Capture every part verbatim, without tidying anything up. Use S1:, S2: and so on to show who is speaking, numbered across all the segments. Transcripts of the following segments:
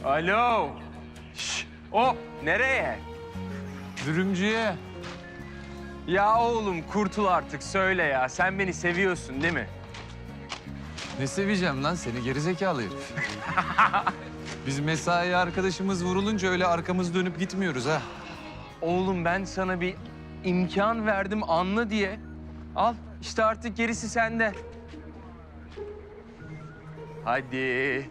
S1: Alo. Şş, hop, nereye?
S2: Dürümcüye.
S1: Ya oğlum kurtul artık söyle ya. Sen beni seviyorsun değil mi?
S2: Ne seveceğim lan seni gerizekalı herif. Biz mesai arkadaşımız vurulunca öyle arkamız dönüp gitmiyoruz ha.
S1: Oğlum ben sana bir imkan verdim anla diye. Al işte artık gerisi sende. Hadi.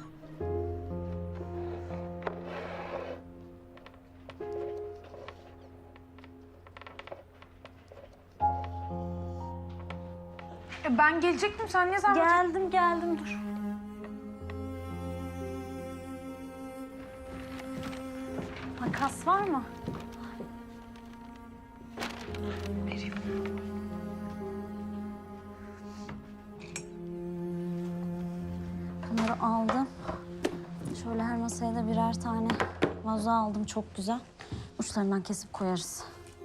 S3: E, Ben gelecektim. Sen ne zaman?
S4: Geldim geldim dur. Makas var mı?
S3: Vereyim.
S4: Bunları aldım. Şöyle her masaya da birer tane vazo aldım. Çok güzel. Uçlarından kesip koyarız.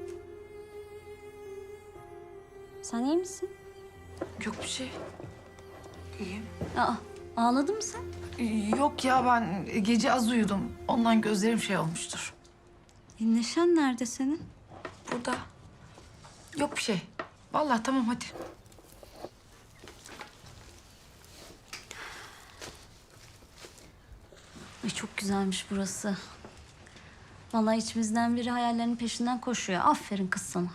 S4: Sen iyi misin?
S3: Yok bir şey. İyiyim.
S4: Aa, ağladın mı sen?
S3: Yok ya ben gece az uyudum. Ondan gözlerim şey olmuştur.
S4: E, Neşen nerede senin?
S3: Burada. Yok bir şey. Vallahi tamam hadi.
S4: Ay çok güzelmiş burası. Vallahi içimizden biri hayallerinin peşinden koşuyor. Aferin kız sana.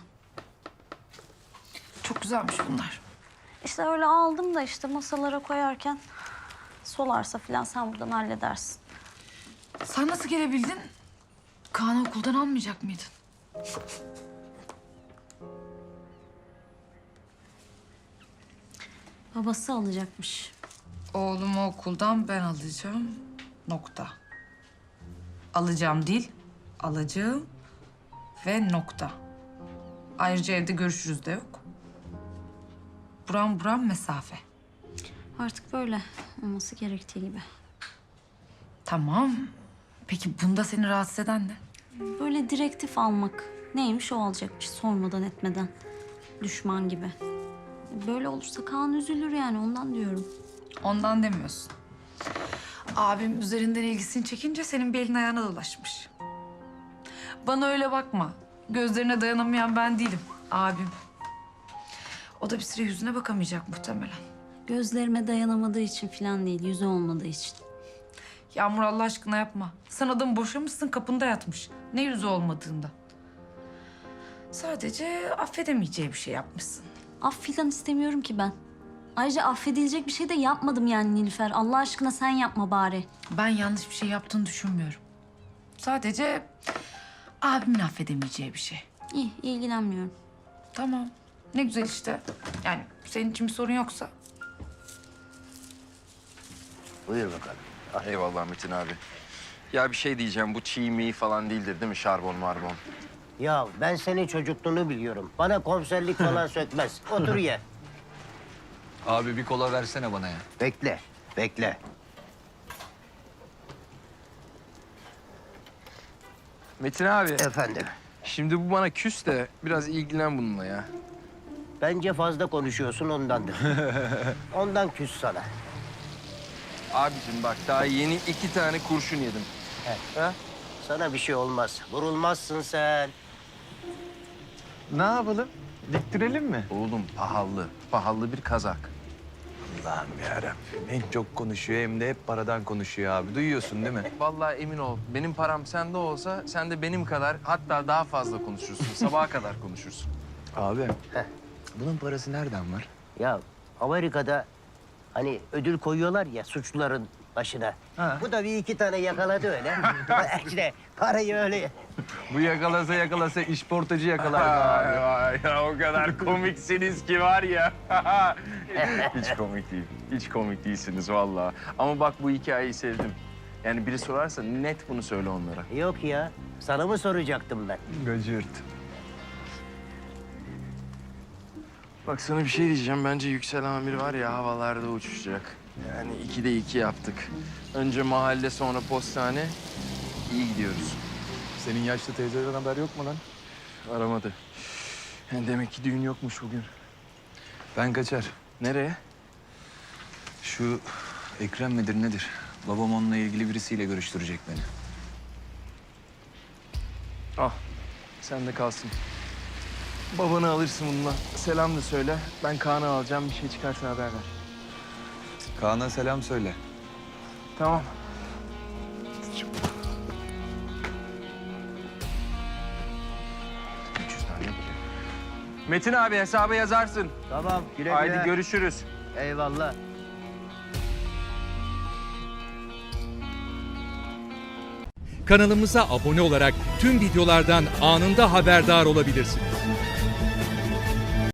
S3: Çok güzelmiş bunlar.
S4: İşte öyle aldım da işte masalara koyarken solarsa falan sen buradan halledersin.
S3: Sen nasıl gelebildin? Kaan'ı okuldan almayacak mıydın?
S4: Babası alacakmış.
S3: Oğlumu okuldan ben alacağım. Nokta. Alacağım değil, alacağım ve nokta. Ayrıca evde görüşürüz de yok. Buram buram mesafe.
S4: Artık böyle olması gerektiği gibi.
S3: Tamam. Peki bunda seni rahatsız eden ne?
S4: Böyle direktif almak. Neymiş o alacakmış sormadan etmeden. Düşman gibi. Böyle olursa Kaan üzülür yani ondan diyorum.
S3: Ondan demiyorsun. Abim üzerinden ilgisini çekince senin bir elin ayağına dolaşmış. Bana öyle bakma. Gözlerine dayanamayan ben değilim. Abim. O da bir süre yüzüne bakamayacak muhtemelen.
S4: Gözlerime dayanamadığı için falan değil, yüzü olmadığı için.
S3: Yağmur Allah aşkına yapma. Sen adamı boşamışsın kapında yatmış. Ne yüzü olmadığında. Sadece affedemeyeceği bir şey yapmışsın.
S4: Af filan istemiyorum ki ben. Ayrıca affedilecek bir şey de yapmadım yani Nilüfer. Allah aşkına sen yapma bari.
S3: Ben yanlış bir şey yaptığını düşünmüyorum. Sadece abimin affedemeyeceği bir şey.
S4: İyi, ilgilenmiyorum.
S3: Tamam. Ne güzel işte. Yani senin için bir sorun yoksa.
S5: Buyur bakalım.
S6: Eyvallah Metin abi. Ya bir şey diyeceğim, bu çiğ mi falan değildir değil mi? Şarbon marbon.
S5: Ya ben senin çocukluğunu biliyorum. Bana komiserlik falan sökmez. Otur ye.
S2: Abi bir kola versene bana ya.
S5: Bekle, bekle.
S1: Metin abi,
S5: Efendim,
S1: şimdi bu bana küs de biraz ilgilen bununla ya.
S5: bence fazla konuşuyorsun ondandır. Ondan küs sana.
S1: Abicim bak daha yeni iki tane kurşun yedim.
S5: He, ha? Sana bir şey olmaz. Vurulmazsın sen.
S2: Ne yapalım? Diktirelim mi?
S6: Oğlum pahalı, pahalı bir kazak.
S2: Allah'ım yarabbim. Hem çok konuşuyor hem de hep paradan konuşuyor abi. Duyuyorsun değil mi?
S1: Vallahi emin ol benim param sende olsa sen de benim kadar hatta daha fazla konuşursun. Sabaha kadar konuşursun.
S2: Abi.
S5: Heh.
S2: Bunun parası nereden var?
S5: Ya Amerika'da hani ödül koyuyorlar ya suçluların başına.
S2: Ha.
S5: Bu da bir iki tane yakaladı öyle. işte parayı öyle.
S2: Bu yakalasa yakalasa işportacı yakalar abi.
S1: Ay, ya o kadar komiksiniz ki var ya. Hiç komik değil. Hiç komik değilsiniz vallahi. Ama bak bu hikayeyi sevdim. Yani biri sorarsa net bunu söyle onlara.
S5: Yok ya. Sana mı soracaktım ben?
S2: Gıcırt.
S1: Bak sana bir şey diyeceğim. Bence Yüksel Amir var ya havalarda uçuşacak. Yani ikide iki yaptık. Önce mahalle sonra postane. İyi gidiyoruz.
S2: Senin yaşlı teyzeden haber yok mu lan?
S1: Aramadı. Yani demek ki düğün yokmuş bugün.
S2: Ben kaçar.
S1: Nereye?
S2: Şu Ekrem midir nedir? Babam onunla ilgili birisiyle görüştürecek beni.
S1: Al. Sen de kalsın. Babanı alırsın bununla. Selam da söyle. Ben Kaan'ı alacağım. Bir şey çıkarsa haber ver.
S2: Kaan'a selam söyle.
S1: Tamam. üç yüz tane yapacak. Metin abi hesabı yazarsın.
S5: Tamam güle güle.
S1: Haydi görüşürüz.
S5: Eyvallah.
S7: Kanalımıza abone olarak tüm videolardan anında haberdar olabilirsiniz.